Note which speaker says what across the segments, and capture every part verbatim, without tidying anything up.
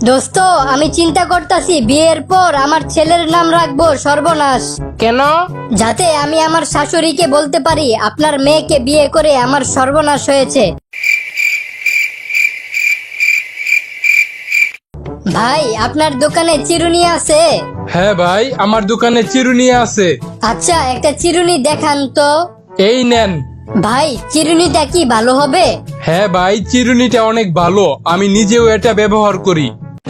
Speaker 1: দোস্ত, আমি চিন্তা করতেছি বিয়ের পর আমার ছেলের নাম রাখবো সর্বনাশ।
Speaker 2: কেন?
Speaker 1: যাতে আমি আমার শাশুড়িকে বলতে পারি আপনার মেয়েকে বিয়ে করে আমার সর্বনাশ হয়েছে। ভাই, আপনার দোকানে চিরুনি আছে?
Speaker 2: হ্যাঁ ভাই, আমার দোকানে চিরুনি আছে।
Speaker 1: আচ্ছা, একটা চিরুনি দেখান তো।
Speaker 2: এই নেন।
Speaker 1: ভাই, চিরুনিটা কি ভালো হবে?
Speaker 2: হ্যাঁ ভাই, চিরুনিটা অনেক ভালো, আমি নিজেও এটা ব্যবহার করি।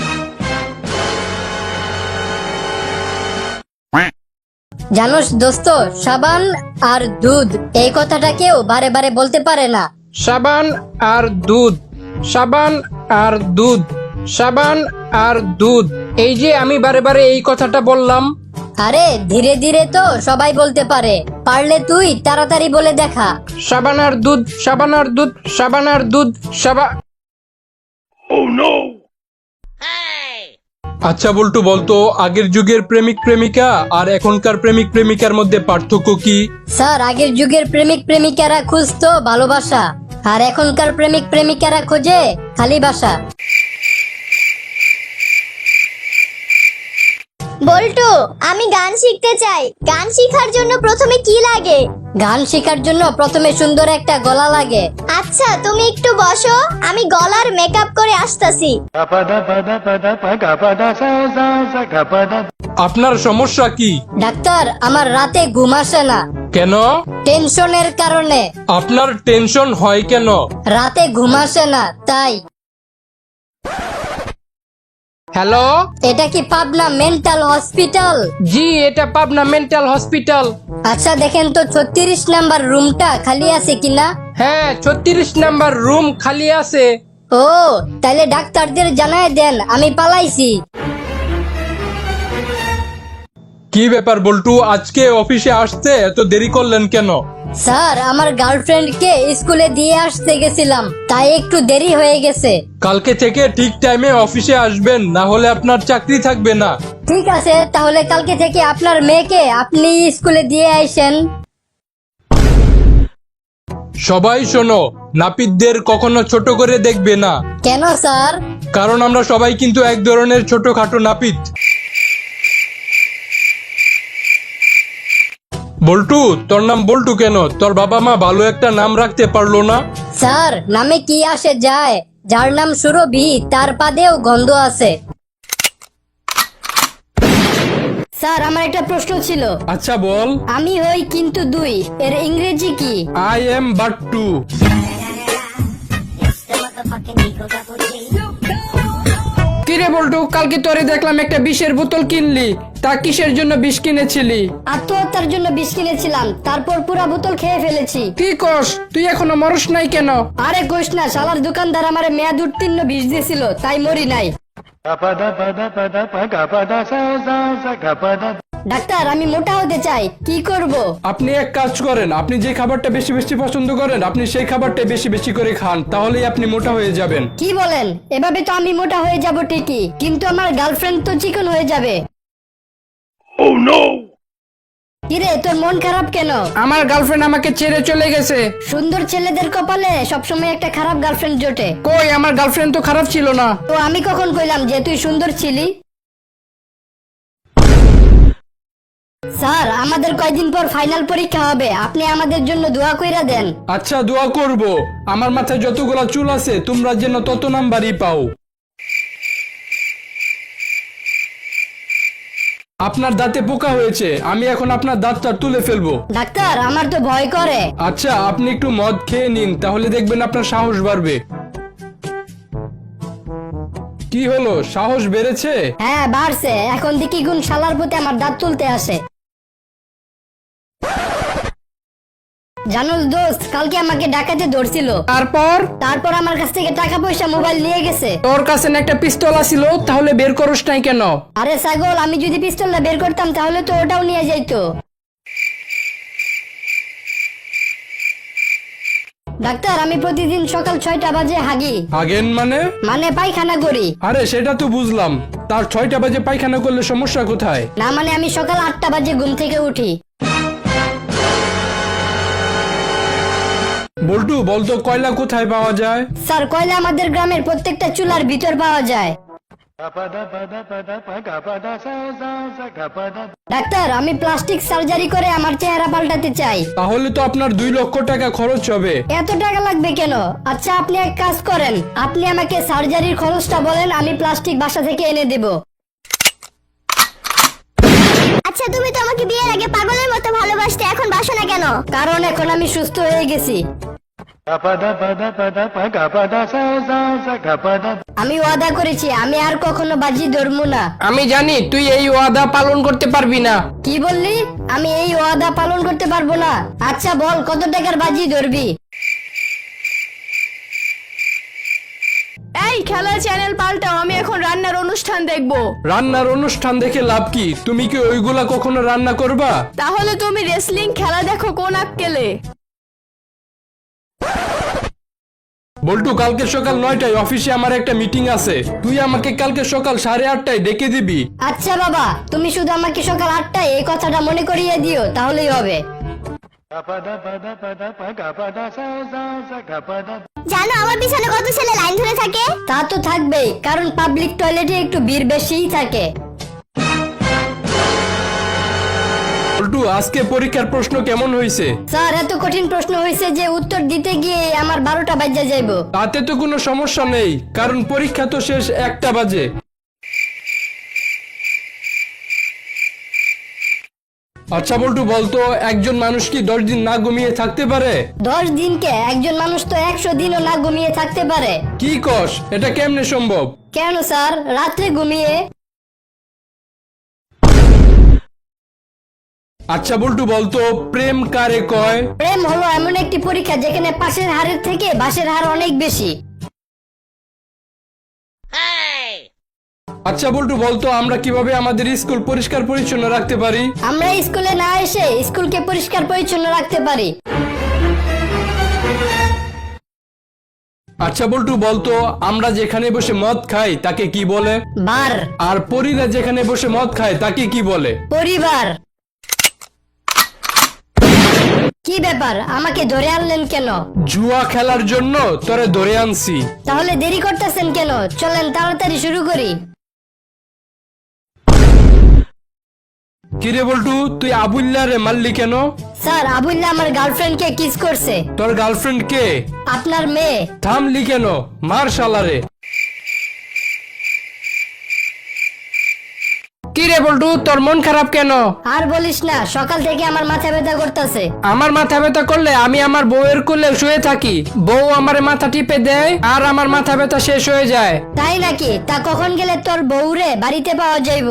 Speaker 1: জানোস দোস্ত, সাবান আর দুধ এই কথাটা কেউ বারে বারে বলতে পারে না।
Speaker 2: সাবান আর দুধ, সাবান আর দুধ, সাবান আর দুধ, এই যে আমি বারে বারে এই কথাটা বললাম।
Speaker 1: আরে ধীরে ধীরে তো সবাই বলতে পারে, পারলে তুই তাড়াতাড়ি বলে দেখা।
Speaker 2: সাবান আর দুধ, সাবান আর দুধ, সাবান আর দুধ, সাবা আচ্ছা বল্টু, বলতো আগের যুগের প্রেমিক প্রেমিকা আর এখনকার প্রেমিক প্রেমিকার মধ্যে পার্থক্য কি?
Speaker 1: স্যার, আগের যুগের প্রেমিক প্রেমিকারা খুঁজতো ভালোবাসা, আর এখনকার প্রেমিক প্রেমিকারা খোঁজে খালি বাসা।
Speaker 3: বল্টু, আমি গান শিখতে চাই। গান শেখার জন্য প্রথমে কি লাগে?
Speaker 1: গান শেখার জন্য প্রথমে সুন্দর একটা গলা লাগে।
Speaker 3: আচ্ছা, তুমি একটু বসো, আমি গলার মেকআপ করে আসতাছি।
Speaker 2: আপনার সমস্যা কি?
Speaker 1: ডাক্তার, আমার রাতে ঘুম আসে না।
Speaker 2: কেন?
Speaker 1: টেনশনের কারণে।
Speaker 2: আপনার টেনশন হয় কেন?
Speaker 1: রাতে ঘুম আসে না তাই।
Speaker 2: হ্যালো,
Speaker 1: এটা কি পাবনা মেন্টাল হসপিটাল?
Speaker 2: জি এটা পাবনা মেন্টাল হসপিটাল।
Speaker 1: আচ্ছা দেখেন তো ছত্রিশ নাম্বার রুমটা খালি আছে কিনা।
Speaker 2: হ্যাঁ, ছত্রিশ নাম্বার রুম খালি আছে।
Speaker 1: ও, তাইলে ডাক্তারদের জানায় দেন আমি পালাইছি।
Speaker 2: কি ব্যাপার বল্টু, আজকে অফিসে আসতে এত দেরি করলেন কেন?
Speaker 1: স্যার, আমার গার্লফ্রেন্ডকে স্কুলে দিয়ে আসতে গেছিলাম, তাই একটু দেরি হয়ে গেছে।
Speaker 2: কালকে থেকে ঠিক টাইমে অফিসে আসবেন, না হলে আপনার চাকরি থাকবে না।
Speaker 1: ঠিক আছে, তাহলে কালকে থেকে আপনার মেয়েকে আপনি স্কুলে দিয়ে আইসেন।
Speaker 2: সবাই শোনো, নাপিতদের কখনো ছোট করে দেখবে না,
Speaker 1: কেন স্যার?
Speaker 2: কারণ আমরা সবাই কিন্তু এক ধরনের ছোটখাটো নাপিত। বল্টু, তোর নাম বল্টু কেন? তোর বাবা মা ভালো একটা নাম রাখতে পারলো না?
Speaker 1: স্যার, নামে কি আসে যায়, যার নাম সুরভি তার পাদেও গন্ধ আছে। স্যার, আমার একটা প্রশ্ন ছিল।
Speaker 2: আচ্ছা বল।
Speaker 1: আমি হই কিন্তু দুই, এর ইংরেজি কি?
Speaker 2: I am Battu. কিরে বল্টু, কালকে তোরে দেখলাম একটা বিষের বোতল কিনলি, তা কিসের জন্য বিষ কিনেছিলি?
Speaker 1: আত্মহত্যার জন্য বিষ কিনেছিলাম, তারপর পুরা বোতল খেয়ে ফেলেছি।
Speaker 2: কি কস, তুই এখনো মরস নাই কেন?
Speaker 1: আরে কইস না, শালার দোকানদার আমারে মেয়াদ উত্তীর্ণ বিষ দিয়েছিল, তাই মরি নাই। ডাক্তার, আমি মোটা হতে চাই, কি করব?
Speaker 2: আপনি এক কাজ করেন, আপনি যে খাবারটা বেশি বেশি পছন্দ করেন আপনি সেই খাবারটা বেশি বেশি করে খান, তাহলেই আপনি মোটা হয়ে যাবেন।
Speaker 1: কি বলেন? এভাবে তো আমি মোটা হয়ে যাব ঠিকই, কিন্তু আমার গার্লফ্রেন্ড তো চিকন হয়ে যাবে। কিরে, তোর মন খারাপ কেন?
Speaker 2: আমার গার্লফ্রেন্ড আমাকে ছেড়ে চলে গেছে।
Speaker 1: সুন্দর ছেলেদের কপালে সবসময় একটা খারাপ গার্লফ্রেন্ড জোটে।
Speaker 2: কই, আমার গার্লফ্রেন্ড তো খারাপ ছিল না।
Speaker 1: তো আমি কখন কইলাম যে তুই সুন্দর ছিলি? স্যার, আমাদের কয়দিন পর ফাইনাল পরীক্ষা হবে, আপনি আমাদের জন্য দোয়া কইরা দেন।
Speaker 2: আচ্ছা, দোয়া করব। আমার মাথায় যতগুলা চুল আছে তোমরা যেন তত নাম্বারই পাও। আপনার দাঁতে পোকা হয়েছে, আমি এখন আপনার দাঁতটা তুলে ফেলবো।
Speaker 1: ডাক্তার, আমার তো ভয় করে।
Speaker 2: আচ্ছা, আপনি একটু মদ খেয়ে নিন, তাহলে দেখবেন আপনার সাহস বাড়বে। কি হলো, সাহস বেড়েছে?
Speaker 1: হ্যাঁ, বাড়ছে। এখন দেখি গুণ শালার প্রতি আমার দাঁত তুলতে আসে। জানোস দোস্ত, কালকে আমাকে ডাকাতে ধরছিল।
Speaker 2: তারপর?
Speaker 1: তারপর আমার কাছ থেকে টাকা পয়সা মোবাইল নিয়ে গেছে।
Speaker 2: তোর কাছে না একটা পিস্তল ছিল, তাহলে বের করস নাই কেন?
Speaker 1: আরে ছাগল, আমি যদি পিস্তলটা বের করতাম তাহলে তো ওটাও নিয়ে যাইতো। ডাক্তার, আমি প্রতিদিন সকাল ছয়টা বাজে হাগি।
Speaker 2: হাগেন মানে?
Speaker 1: মানে পায়খানা করি।
Speaker 2: আরে সেটা তো বুঝলাম, তার ছয়টা বাজে পায়খানা করলে সমস্যা কোথায়?
Speaker 1: না মানে আমি সকাল আটটা বাজে ঘুম থেকে উঠি।
Speaker 2: বল্টু, বলতো কয়লা কোথায় পাওয়া যায়?
Speaker 1: স্যার, কয়লা আমাদের গ্রামের প্রত্যেকটা চুলার ভিতর পাওয়া যায়। ডাক্তার, আমি প্লাস্টিক সার্জারি করে আমার চেহারা পাল্টাতে চাই।
Speaker 2: তাহলে তো আপনার দুই লক্ষ টাকা খরচ হবে।
Speaker 1: এত টাকা লাগবে কেন? আচ্ছা, আপনি এক কাজ করেন, আপনি আমাকে সার্জারির খরচটা বলেন, আমি প্লাস্টিক বাসা থেকে এনে দেব।
Speaker 3: আচ্ছা, তুমি তো আমাকে বিয়ের আগে পাগলের মতো ভালোবাসতে, এখন বাসো না কেন?
Speaker 1: কারণ এখন আমি সুস্থ হয়ে গেছি। আমি ওয়াদা করেছি আমি আর কখনো বাজি ধরবো না।
Speaker 2: আমি জানি তুই এই ওয়াদা পালন করতে পারবি না।
Speaker 1: কি বললি? আমি এই ওয়াদা পালন করতে পারবো না? আচ্ছা বল, কত টাকার বাজি ধরবি?
Speaker 4: এই খেলার চ্যানেল পাল্টাও, আমি এখন রান্নার অনুষ্ঠান দেখব।
Speaker 2: রান্নার অনুষ্ঠান দেখে লাভ কি? তুমি কি ওইগুলা কখনো রান্না করবা?
Speaker 4: তাহলে তুমি রেসলিং খেলা দেখো কোন আক্কেলে।
Speaker 2: বল্টু, কালকে সকাল নয়টায় অফিসে আমার একটা মিটিং আছে, তুই আমাকে কালকে সকাল সাড়ে আটটায় ডেকে দিবি।
Speaker 1: আচ্ছা বাবা, তুমি শুধু আমাকে সকাল আটটায় এই কথাটা মনে করিয়ে দিও, তাহলেই হবে।
Speaker 3: জানো আমার পিছনে কত ছেলে লাইন ধরে থাকে?
Speaker 1: তা তো থাকবেই, কারণ পাবলিক টয়লেটে একটু ভিড় বেশিই থাকে।
Speaker 2: বল্টু, আজকে পরীক্ষার প্রশ্ন কেমন হয়েছে?
Speaker 1: স্যার, এত কঠিন প্রশ্ন হয়েছে যে উত্তর দিতে গিয়ে আমার বারোটা বাজে যাইব।
Speaker 2: তাতে তো কোনো সমস্যা নেই, কারণ পরীক্ষা তো শেষ একটা বাজে। আচ্ছা বল্টু, বলতো একজন মানুষ কি দশ দিন না ঘুমিয়ে থাকতে পারে?
Speaker 1: দশ দিনকে একজন মানুষ তো একশো দিনও না ঘুমিয়ে থাকতে পারে।
Speaker 2: কি কস? এটা কেমনে সম্ভব?
Speaker 1: কেন স্যার, রাত্রে ঘুমিয়ে।
Speaker 2: আচ্ছা বল্টু, বলতো প্রেম কারে কয়?
Speaker 1: প্রেম হলো এমন একটি পরীক্ষা যেখানে পাশের হারের থেকে বাসের হার অনেক বেশি।
Speaker 2: আচ্ছা বল্টু, বলতো আমরা কিভাবে আমাদের স্কুল পরিষ্কার পরিচ্ছন্ন রাখতে পারি?
Speaker 1: আমরা স্কুলে না এসে স্কুলকে পরিষ্কার পরিচ্ছন্ন রাখতে পারি।
Speaker 2: আচ্ছা বল্টু, বলতো আমরা যেখানে বসে মদ খাই তাকে কি বলে?
Speaker 1: বার।
Speaker 2: আর পরীরা যেখানে বসে মদ খায় তাকে কি বলে?
Speaker 1: পরিবার। কি ব্যাপার, আমাকে ধরে আনলেন কেন?
Speaker 2: জুয়া খেলার জন্য তোরে ধরে আনছি।
Speaker 1: তাহলে দেরি করতেছেন কেন? চলেন তাড়াতাড়ি শুরু করি।
Speaker 2: কিরে বল্টু, তুই আবুল্লা রে মারলি কেন?
Speaker 1: স্যার, আবুল্লাহ আমার গার্লফ্রেন্ডকে কিস করছে।
Speaker 2: তোর গার্লফ্রেন্ড কে?
Speaker 1: আপনার মেয়ে।
Speaker 2: থামলি কেন? মার শালারে। কিরে বল্টু, তোর মন খারাপ কেন?
Speaker 1: আর বলিস না, সকাল থেকে আমার মাথা ব্যথা করতেছে।
Speaker 2: আমার মাথা ব্যথা করলে আমি আমার বউয়ের কোলে শুয়ে থাকি, বউ আমার মাথা টিপে দেয় আর আমার মাথা ব্যথা শেষ হয়ে যায়।
Speaker 1: তাই নাকি? তা কখন গেলে তোর বউরে বাড়িতে পাওয়া যাইব?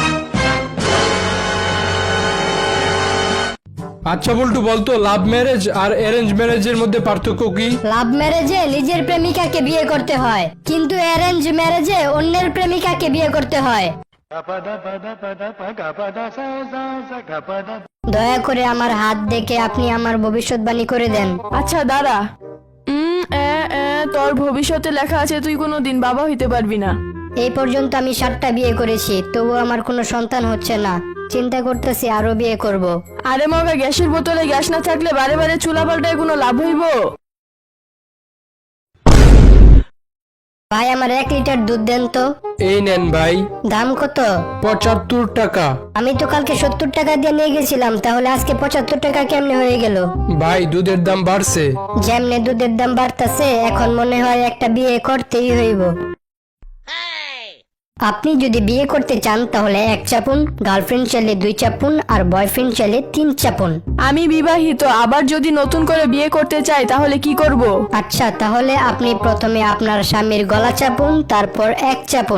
Speaker 2: আচ্ছা বল্টু, বলতো লাভ ম্যারেজ আর অ্যারেঞ্জ ম্যারেজের মধ্যে পার্থক্য কি?
Speaker 1: লাভ ম্যারেজে নিজের প্রেমিকাকে বিয়ে করতে হয়, কিন্তু অ্যারেঞ্জ ম্যারেজে অন্যের প্রেমিকাকে বিয়ে করতে হয়। দয়া করে আমার হাত দেখে আপনি আমার ভবিষ্যৎবাণী করে দেন।
Speaker 4: আচ্ছা দাঁড়া। উম, এ, এ, তোর ভবিষ্যতে লেখা আছে তুই কোনোদিন বাবা হইতে পারবি না।
Speaker 1: এই পর্যন্ত আমি সাতটা বিয়ে করেছি, তবু আমার কোনো সন্তান হচ্ছে না। চিন্তা করতেছি আরো বিয়ে করব।
Speaker 4: আরে মগা, গ্যাসের বোতলে গ্যাস না থাকলে বারে বারে চুলা পাল্টায় কোনো লাভ হইব?
Speaker 1: ভাই, আমার এক লিটার দুধ দেন তো।
Speaker 2: এই নেন ভাই।
Speaker 1: দাম কত?
Speaker 2: পঁচাত্তর টাকা।
Speaker 1: আমি তো কালকে সত্তর টাকা দিয়ে নিয়ে গেছিলাম, তাহলে আজকে পঁচাত্তর টাকা কেমনে হয়ে গেল?
Speaker 2: ভাই, দুধের দাম বাড়ছে।
Speaker 1: যেমনে দুধের দাম বাড়তাছে, এখন মনে হয় একটা বিয়ে করতেই হইব। আপনি যদি বিয়ে করতে চান তাহলে এক চাপুন, গার্লফ্রেন্ড চাইলে দুই চাপুন, আর বয়ফ্রেন্ড চাইলে তিন চাপুন।
Speaker 4: আমি বিবাহিত, আবার যদি নতুন করে বিয়ে করতে চাই তাহলে কি করব?
Speaker 1: আচ্ছা, তাহলে আপনি প্রথমে আপনার স্বামীর গলা চাপুন, তারপর এক চাপুন।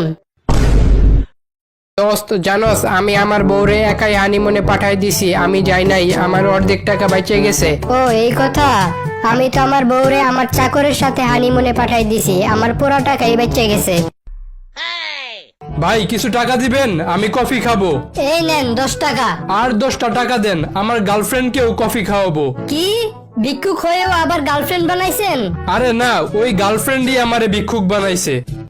Speaker 2: দোস্ত, জানোস আমি আমার বউরে একাই হানিমুনে পাঠাই দিছি, আমি যাই নাই, আমার অর্ধেক টাকা বেঁচে গেছে।
Speaker 1: ও এই কথা। আমি তো আমার বউরে আমার চাকরের সাথে হানিমুনে পাঠাই দিছি, আমার পুরো টাকাই বেঁচে গেছে।
Speaker 2: ভাই, কিছু টাকা দিবেন, আমি কফি খাবো।
Speaker 1: এই নেন দশ টাকা।
Speaker 2: আর দশটা টাকা দেন, আমার গার্লফ্রেন্ডকেও কফি খাওয়াবো।
Speaker 1: কি, ভিক্ষুক হয়েও আবার গার্লফ্রেন্ড বানাইছেন?
Speaker 2: আরে না, ওই গার্লফ্রেন্ডই আমারে ভিক্ষুক বানাইছে।